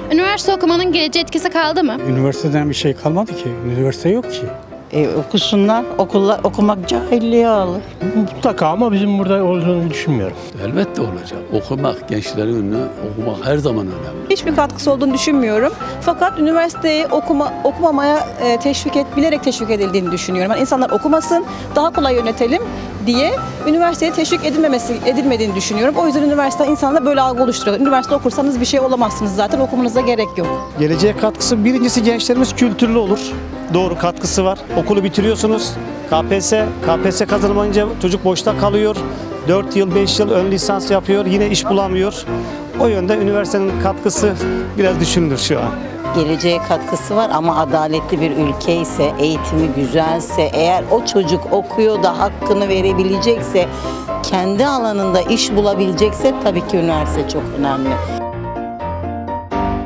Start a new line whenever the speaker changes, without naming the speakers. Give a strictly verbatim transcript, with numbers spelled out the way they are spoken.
Üniversite okumanın geleceğe etkisi kaldı mı?
Üniversiteden bir şey kalmadı ki. Üniversite yok ki.
E, okusunlar, okulla, okumak cahilliğe alır.
Mutlaka ama bizim burada olduğunu düşünmüyorum.
Elbette olacak. Okumak, gençlerin önüne okumak her zaman önemli.
Hiçbir katkısı olduğunu düşünmüyorum. Fakat üniversiteyi okuma, okumamaya e, teşvik et, bilerek teşvik edildiğini düşünüyorum. Yani insanlar okumasın, daha kolay yönetelim diye üniversiteye teşvik edilmemesi edilmediğini düşünüyorum. O yüzden üniversite insanlara böyle algı oluşturuyor. Üniversite okursanız bir şey olamazsınız zaten, okumanıza gerek yok.
Geleceğe katkısı birincisi gençlerimiz kültürlü olur. Doğru katkısı var. Okulu bitiriyorsunuz. K P S, K P S kazanamayınca çocuk boşta kalıyor. dört yıl, beş yıl ön lisans yapıyor. Yine iş bulamıyor. O yönde üniversitenin katkısı biraz düşünülür şu an.
Geleceğe katkısı var ama adaletli bir ülke ise, eğitimi güzelse, eğer o çocuk okuyor da hakkını verebilecekse, kendi alanında iş bulabilecekse tabii ki üniversite çok önemli.